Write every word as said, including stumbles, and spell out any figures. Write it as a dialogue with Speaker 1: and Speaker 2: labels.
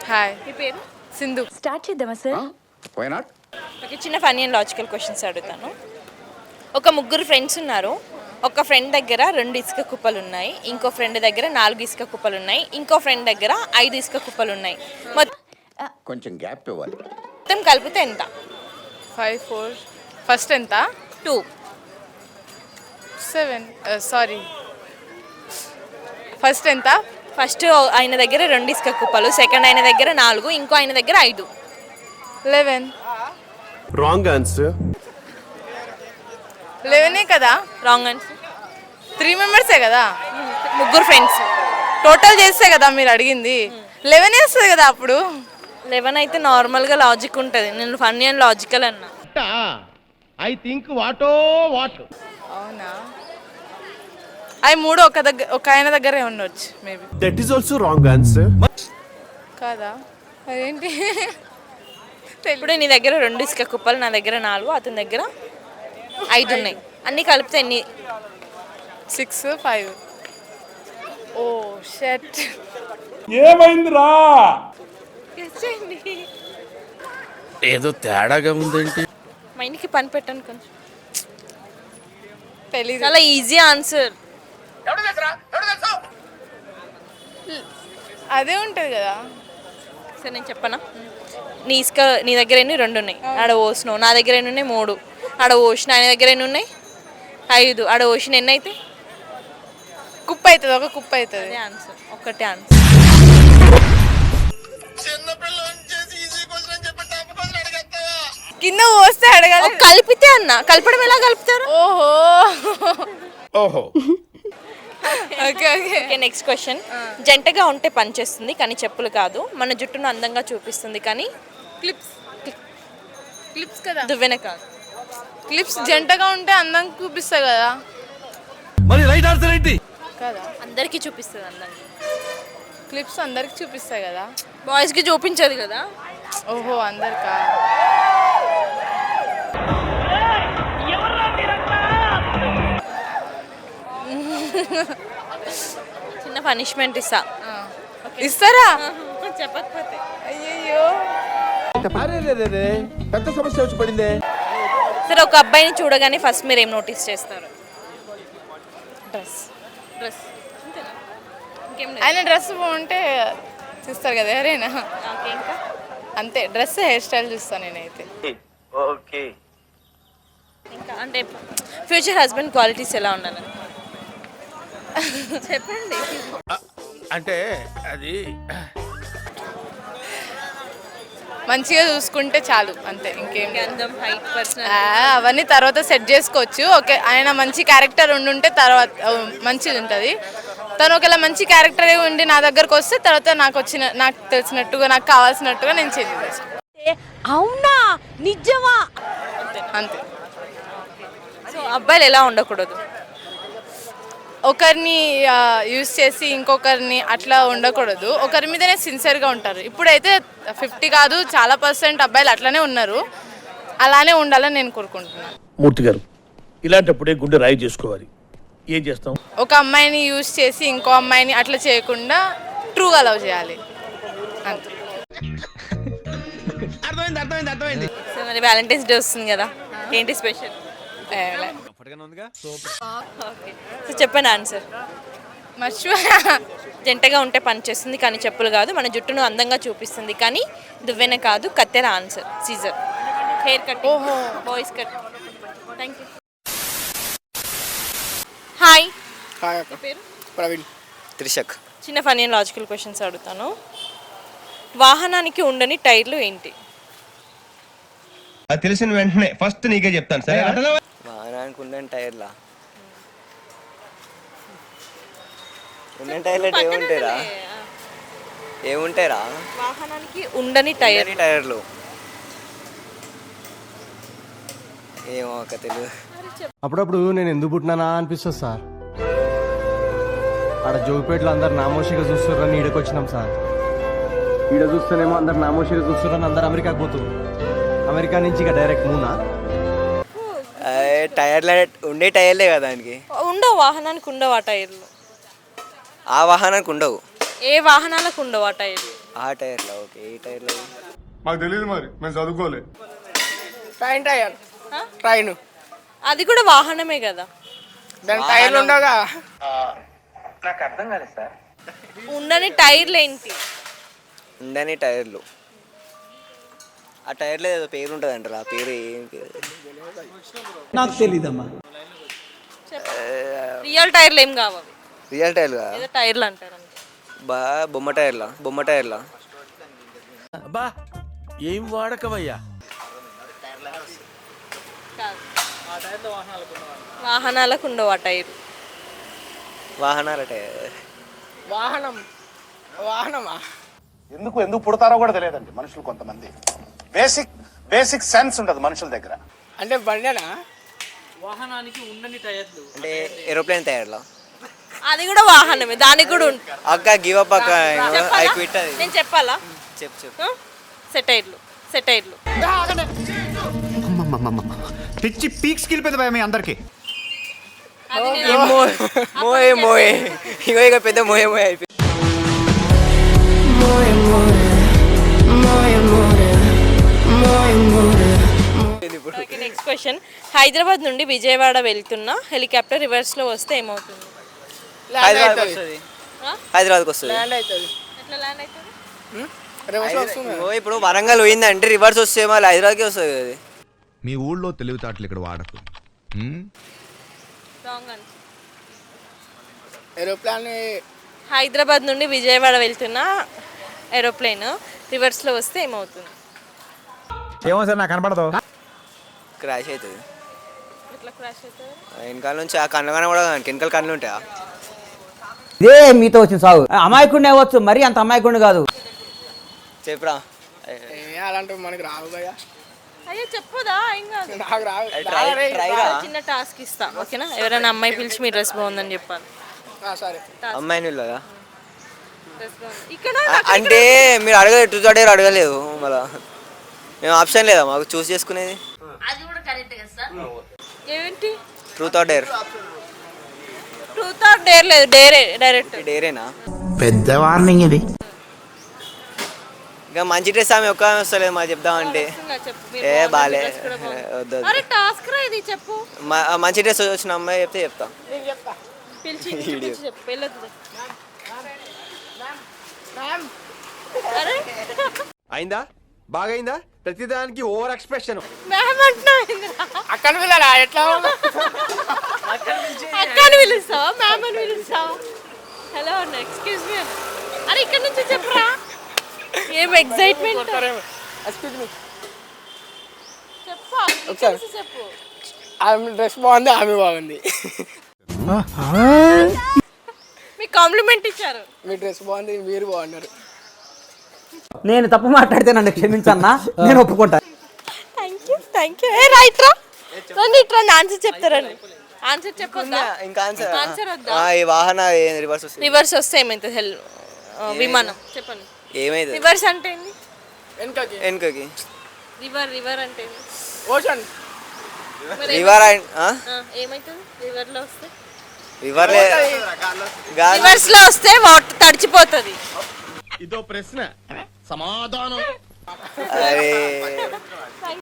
Speaker 1: Hi.
Speaker 2: మీ పేరు?
Speaker 1: Sindhu.
Speaker 3: Start చేద్దామా సార్?
Speaker 4: Why not?
Speaker 2: ఓకే, చిన్న ఫన్నీ అండ్ లాజికల్ క్వశ్చన్స్ అడుగుతాను. ఒక ముగ్గురు ఫ్రెండ్స్ ఉన్నారు. ఒక ఫ్రెండ్ దగ్గర రెండు ఇసుక కుప్పలు ఉన్నాయి, ఇంకో ఫ్రెండ్ దగ్గర నాలుగు ఇసుక కుప్పలు ఉన్నాయి, ఇంకో ఫ్రెండ్ దగ్గర ఐదు ఇసుక కుప్పలు ఉన్నాయి.
Speaker 4: కొంచెం గ్యాప్ ఇవ్వాలి.
Speaker 2: మొత్తం కలిపితే ఎంత?
Speaker 1: ఫైవ్ ఫోర్ ఫస్ట్ ఎంత?
Speaker 2: టూ.
Speaker 1: సెవెన్ సారీ ఫస్ట్ ఎంత?
Speaker 2: ఫస్ట్ ఆయన దగ్గర రెండు ఇసుక కుప్పలు, సెకండ్ ఆయన దగ్గర నాలుగు, ఇంకో ఆయన దగ్గర ఐదు.
Speaker 1: లెవెన్.
Speaker 5: Wrong answer.
Speaker 1: లెవెనే కదా?
Speaker 2: Wrong answer.
Speaker 1: త్రీ మెంబర్సే కదా?
Speaker 2: ముగ్గురు ఫ్రెండ్స్.
Speaker 1: టోటల్ చేస్తే కదా మీరు అడిగింది. లెవెన్ వేస్తుంది కదా అప్పుడు.
Speaker 2: లెవెన్ అయితే నార్మల్గా లాజిక్ ఉంటుంది. నేను ఫన్నీ అండ్ లాజికల్ అన్నా.
Speaker 5: I think what what.
Speaker 1: అవునా? అవి మూడు ఒక దగ్గర ఒక ఆయన దగ్గరే ఉండొచ్చు maybe.
Speaker 5: That is also wrong answer.
Speaker 1: కాదా? అదేంటి?
Speaker 2: ఇప్పుడు నీ దగ్గర రెండు ఇసుక కుప్పలు, నా దగ్గర నాలుగు, అతని దగ్గర ఐదు ఉన్నాయి. అన్నీ కలిపితే ఎన్ని?
Speaker 1: Six five. Oh shit.
Speaker 6: ఏమైందిరా?
Speaker 5: ఏదో తేడాగా ఉందేంటి?
Speaker 2: మైండ్కి పని పెట్టాను కొంచెం.
Speaker 1: తెలీదు.
Speaker 2: చాలా ఈజీ ఆన్సర్.
Speaker 1: అదే ఉంటుంది కదా.
Speaker 2: సరే నేను చెప్పనా? నీ ఇసుక నీ దగ్గర ఎన్ని? రెండు ఉన్నాయి. ఆడ ఓసినావు. నా దగ్గర ఎన్ని ఉన్నాయి? మూడు. ఆడ ఓసిన ఆయన దగ్గర ఎన్ని ఉన్నాయి? ఐదు. ఆడ ఓసిన ఎన్ని అయితే?
Speaker 1: కుప్ప అవుతుంది, ఒక కుప్ప అవుతుంది.
Speaker 2: అదే ఆన్సర్, ఒక్కటే ఆన్సర్.
Speaker 1: కింద పోస్తే అడగాలి.
Speaker 2: కలిపితే అన్న, కలపడం ఎలా కలుపుతారు?
Speaker 1: ఓహో
Speaker 5: ఓహో.
Speaker 1: Okay okay.
Speaker 2: Okay, next question. జంటగా ఉంటే పని చేస్తుంది కానీ చెప్పులు కాదు, మన జుట్టును అందంగా చూపిస్తుంది కానీ
Speaker 1: క్లిప్స్. క్లిప్స్ కదా?
Speaker 2: దువ్వెన కాదు.
Speaker 1: క్లిప్స్ జంటగా ఉంటే అందంగా చూపిస్తాయి కదా?
Speaker 5: మరి రైట్ ఆన్సర్ ఏంటి?
Speaker 1: కదా,
Speaker 2: అందరికీ చూపిస్తుంది అందంగా.
Speaker 1: క్లిప్స్ అందరికి చూపిస్తాయి కదా?
Speaker 2: బాయ్స్కి చూపించదు కదా?
Speaker 1: ఓహో అందరికా?
Speaker 2: చిన్న పనిష్మెంట్ ఇస్తా.
Speaker 1: ఇస్తారా?
Speaker 2: చెప్పకపోతే.
Speaker 1: అయ్యయ్యో.
Speaker 4: పెద్ద సమస్య వచ్చి పడిందే.
Speaker 2: సరే, ఒక అబ్బాయిని చూడగానే ఫస్ట్ మీరు ఏం నోటీస్ చేస్తారు?
Speaker 1: డ్రెస్.
Speaker 2: డ్రెస్. అంతేనా? ఇంకేం లేదు.
Speaker 1: ఆయన డ్రెస్ బాగుంటే చూస్తారు కదా ఎవరైనా.
Speaker 2: ఓకే, ఇంకా
Speaker 1: అంతే. డ్రెస్, హెయిర్ స్టైల్ చూస్తాను నేనైతే.
Speaker 5: ఓకే.
Speaker 2: ఇంకా అంటే ఫ్యూచర్ హస్బెండ్ క్వాలిటీస్ ఎలా ఉండాలి చెప్పండి.
Speaker 5: అంటే అది
Speaker 1: మంచిగా చూసుకుంటే చాలు, అంతే. ఇంకేం లేదు.
Speaker 2: అందం, హైట్, పర్సనల్
Speaker 1: ఆ, అవన్నీ తర్వాత సెట్ చేసుకోవచ్చు. ఓకే, ఆయన మంచి క్యారెక్టర్ ఉండుంటే తర్వాత మంచిది ఉంటుంది. తను ఒకవేళ మంచి క్యారెక్టర్ ఉండి నా దగ్గరకు వస్తే తర్వాత నాకు వచ్చిన నాకు తెలిసినట్టుగా నాకు కావాల్సినట్టుగా నేను చేంజ్ చేస్తాను.
Speaker 3: అవునా? నిజమా?
Speaker 1: అంతే.
Speaker 2: సో అబ్బాయిలు ఎలా ఉండకూడదు?
Speaker 1: ఒకరిని యూజ్ చేసి ఇంకొకరిని అట్లా ఉండకూడదు. ఒకరి మీదనే సిన్సియర్గా ఉంటారు. ఇప్పుడైతే ఫిఫ్టీ కాదు, చాలా పర్సెంట్ అబ్బాయిలు అట్లానే ఉన్నారు. అలానే ఉండాలని నేను కోరుకుంటున్నాను.
Speaker 7: మూర్తి గారు, ఇలాంటప్పుడే గుండె రాయి చేసుకోవాలి. ఏం చేస్తాం?
Speaker 1: ఒక అమ్మాయిని యూజ్ చేసి ఇంకో అమ్మాయిని అట్లా చేయకుండా ట్రూగా లవ్ చేయాలి, అంతే.
Speaker 5: అర్థమైంది అర్థమైంది అర్థమైంది.
Speaker 2: సో మరి వ్యాలంటైన్స్ డే వస్తుంది కదా, ఏంటి స్పెషల్? ఓకే, సో చెప్పండి ఆన్సర్.
Speaker 1: మర్చిపోయా.
Speaker 2: జంటగా ఉంటే పని చేస్తుంది కానీ చెప్పులు కాదు, మన జుట్టును అందంగా చూపిస్తుంది కానీ దువ్వెన కాదు, కత్తెర ఆన్సర్. సీజర్. Hair cut. ఓహో, boys cut. Thank you. Hi.
Speaker 8: Hi అక్క.
Speaker 2: పేరు?
Speaker 8: ప్రవీణ్. త్రిషక్.
Speaker 2: చిన్న ఫన్నీ అండ్ లాజికల్ క్వశ్చన్స్ అడుగుతాను. వాహనానికి ఉండని టైర్లు ఏంటి?
Speaker 9: అది తెలిసిన వెంటనే ఫస్ట్ నీకే చెప్తాను. సరే,
Speaker 8: వాహనానికి ఉండని టైర్లా? ఉండని టైర్లు అంటే ఏముంటాయిరా? ఏముంటాయిరా?
Speaker 2: వాహనానికి ఉండని టైర్.
Speaker 8: టైర్లు ఏమో అక్క తెలియదు.
Speaker 10: అప్పుడప్పుడు నేను ఎందుకు పుట్టినానా అనిపిస్తుంది సార్. ఆడ జోగిపేటలో అందరు నామోషిగా చూస్తున్నారని ఈడకి వచ్చినాం సార్. ఈడ చూస్తేనేమో అందరు నామోషిగా చూస్తున్నారని అందరు అమెరికాకి పోతుంది. అమెరికా నుంచి ఇక డైరెక్ట్ మూనా?
Speaker 8: టైర్లు ఉండే టైర్లే కదా దానికి.
Speaker 2: ఉండవు, వాహనానికి ఉండవు ఆ టైర్లు.
Speaker 8: ఆ వాహనానికి ఉండవు.
Speaker 2: ఏ వాహనాలకు ఉండవు ఆ టైర్లు?
Speaker 8: ఆ ఆ టైర్లా ఓకే ఏ టైర్లో
Speaker 6: మాకు తెలియదు మరి మేము చదువుకోలే.
Speaker 11: ట్రైన్ టైర్ ట్రైన్
Speaker 2: అది కూడా వాహనమే కదా.
Speaker 11: దాని టైర్లు ఉండగా
Speaker 2: ఉండని టైర్లు ఏంటి?
Speaker 8: ఉండని టైర్లు ఆ టైర్లో ఏదో పేరు ఉంటుంది అంటారు. ఆ పేరు ఏం పేరు
Speaker 10: నాకు తెలీదమ్మా.
Speaker 2: రియల్ టైర్లు ఏం కావాలి,
Speaker 8: రియల్ టైర్లు
Speaker 2: ఏదో టైర్లు అంటారు అంతే.
Speaker 8: బా బొమ్మ టైర్లా బొమ్మ టైర్లా
Speaker 5: అబ్బా ఏం వాడకవయ్యా.
Speaker 2: కాదు. వాహనాలకు ఉండవు ఆ టైర్.
Speaker 8: వాహనాల టైర్
Speaker 11: వాహనం వాహనమా
Speaker 4: ఎందుకు ఎందుకు పుడతారో కూడా తెలియదండి మనుషులు కొంతమంది. బేసిక్ బేసిక్ సెన్స్ ఉండదు మనుషుల దగ్గర.
Speaker 11: అంటే బండేనా?
Speaker 8: అంటే ఏరోప్లేన్ టైర్లా
Speaker 2: అది కూడా వాహనమే, దానికి కూడా ఉంటుంది.
Speaker 8: అక్క గివ్ అప్ అక్క ఐ క్విట్ అది
Speaker 2: నేను చెప్పాలా?
Speaker 8: చెప్పు చెప్పు
Speaker 2: సెటైర్లు సెటైర్లు
Speaker 10: పిచ్చి పీక్స్ కిలిపోయింది భయ మీ అందరికి.
Speaker 2: అది నేను
Speaker 8: మోయే మోయే ఇగో ఇక పెద్ద మోయే మోయే అయిపోయింది.
Speaker 2: Next question. హైదరాబాద్ నుండి విజయవాడ వెళ్తున్న హెలికాప్టర్ రివర్స్ లో వస్తే ఏమవుతుంది?
Speaker 8: హైదరాబాద్ వస్తుంది
Speaker 2: ఆ?
Speaker 8: హైదరాబాద్కి వస్తుంది.
Speaker 11: ల్యాండ్ అవుతుంది.
Speaker 2: ఎట్లా ల్యాండ్ అవుతుంది?
Speaker 11: రివర్స్ వస్తుంది.
Speaker 8: ఓ ఇప్పుడు వరంగల్ పోయిందంటే రివర్స్ వస్తే మళ్ళీ హైదరాబాద్కి వస్తుంది అది.
Speaker 9: మీ ఊళ్ళో తెలివితేటలు ఇక్కడ వాడకు.
Speaker 2: Wrong answer.
Speaker 11: ఏరోప్లాన్
Speaker 2: హైదరాబాద్ నుండి విజయవాడ వెళ్తున్న ఏరోప్లేన్ రివర్స్ లో వస్తే ఏమవుతుంది?
Speaker 10: ఏమో సార్ నాకు కనపడదు.
Speaker 8: క్రాష్ అవుతుంది.
Speaker 2: ఎట్లా క్రాష్ అవుతుంది?
Speaker 8: వెనకాల నుంచి ఆ కళ్ళు కనబడ వెనకాల కళ్ళు ఉంటాయా?
Speaker 12: ఇదే మీతో వచ్చిన సాగు. అమాయకుడిని అవ్వచ్చు, మరీ అంత అమాయకుడిని కాదు.
Speaker 8: చెప్పురా.
Speaker 11: అలాంటివి మనకి రావు కదా.
Speaker 2: అయ్యో చెప్పుదా, ఏం కాదు.
Speaker 11: నాకు రావు.
Speaker 8: ట్రై- ట్రైరా?
Speaker 2: చిన్న టాస్క్ ఇస్తా, ఓకేనా? ఎవరైనా అమ్మాయి పిలిచి మీ డ్రెస్ బాగుందని చెప్పాలి.
Speaker 11: ఆ, సరే
Speaker 8: అమ్మాయిని వెళ్ళదా?
Speaker 2: డ్రెస్ బాగుంది ఇక్కడ
Speaker 8: అంటే మీరు అడగలేదు, టూ థర్డ్ అడగలేదు. మళ్ళా మేము ఆప్షన్ లేదా మాకు చూస్ చేసుకునేది?
Speaker 2: ఏంటి
Speaker 8: truth or dare?
Speaker 2: Truth or dare లేదు, డేరే డైరెక్ట్.
Speaker 8: డేరేనా?
Speaker 10: పెద్ద వార్నింగ్ ఇది.
Speaker 8: ఇంకా మంచి డ్రెస్ ఆమె ఒక్క వస్తలేదు మాకు చెప్దామంటే.
Speaker 2: చెప్పు, మీరు
Speaker 8: ఏ
Speaker 2: బాగుంది,
Speaker 8: బాలే
Speaker 2: dress కూడా బాగుంది.
Speaker 8: వద్దు వద్దు.
Speaker 2: అరే టాస్క్ రా ఇది, చెప్పు.
Speaker 8: మ- మంచి డ్రెస్ వచ్చిన అమ్మాయి చెప్తే చెప్తా.
Speaker 2: పిలిచి పిలిచి చెప్పు, వెళ్ళొద్దు. అరే
Speaker 10: అయిందా? బాగైందా? ప్రతిదానికి ఓవర్ ఎక్స్ప్రెషన్.
Speaker 2: మ్యామ్ అంటున్నావు ఏందిరా?
Speaker 11: అక్కడ వెళ్ళారా ఎట్లా?
Speaker 2: అక్క అని పిలుస్తావా, మ్యామ్ అని పిలుస్తావా? హలో అన్న, ఎక్స్క్యూజ్ మీ అన్న. అరే ఇక్కడ నుంచి చెప్పురా. ఏం ఎక్సైట్మెంట్.
Speaker 11: Excuse me.
Speaker 2: చెప్పు ఇక్కడ నుంచి చెప్పు.
Speaker 11: ఆమె డ్రెస్ బాగుంది, ఆమె బాగుంది.
Speaker 2: మీకు కాంప్లిమెంట్ ఇచ్చారు.
Speaker 11: మీ డ్రెస్ బాగుంది, మీరు బాగున్నారు.
Speaker 12: నేను తప్పు మాట్లాడితే నన్ను క్షమించన్నా, నేను ఒప్పుకుంటా.
Speaker 2: Thank you thank you. ఏ రైట్ రా, రండి ఇట్లా ఆన్సర్ చెప్తారండి. ఆన్సర్ చెప్పొద్దా?
Speaker 8: ఇంకా ఆన్సర్
Speaker 2: ఆన్సర్ వద్దా?
Speaker 8: ఆ, ఈ వాహన రివర్స్ వస్తుంది.
Speaker 2: రివర్స్ వస్తే ఏమైతుంది? హెల్ విమానం చెప్పండి.
Speaker 8: ఏమైంది?
Speaker 2: రివర్స్ అంటే ఏంది?
Speaker 11: వెనకకి
Speaker 8: వెనుకకి
Speaker 2: రివర్ రివర్ అంటే ఏంది?
Speaker 11: ఓషన్
Speaker 2: మరి
Speaker 8: రివర్
Speaker 2: ఆ, ఏమైతుంది రివర్ లో వస్తే?
Speaker 8: రివర్
Speaker 2: రివర్స్ లో వస్తే వాటర్ తడిచిపోతుంది.
Speaker 5: ఇదో ప్రశ్న సమాధానం.
Speaker 8: అరే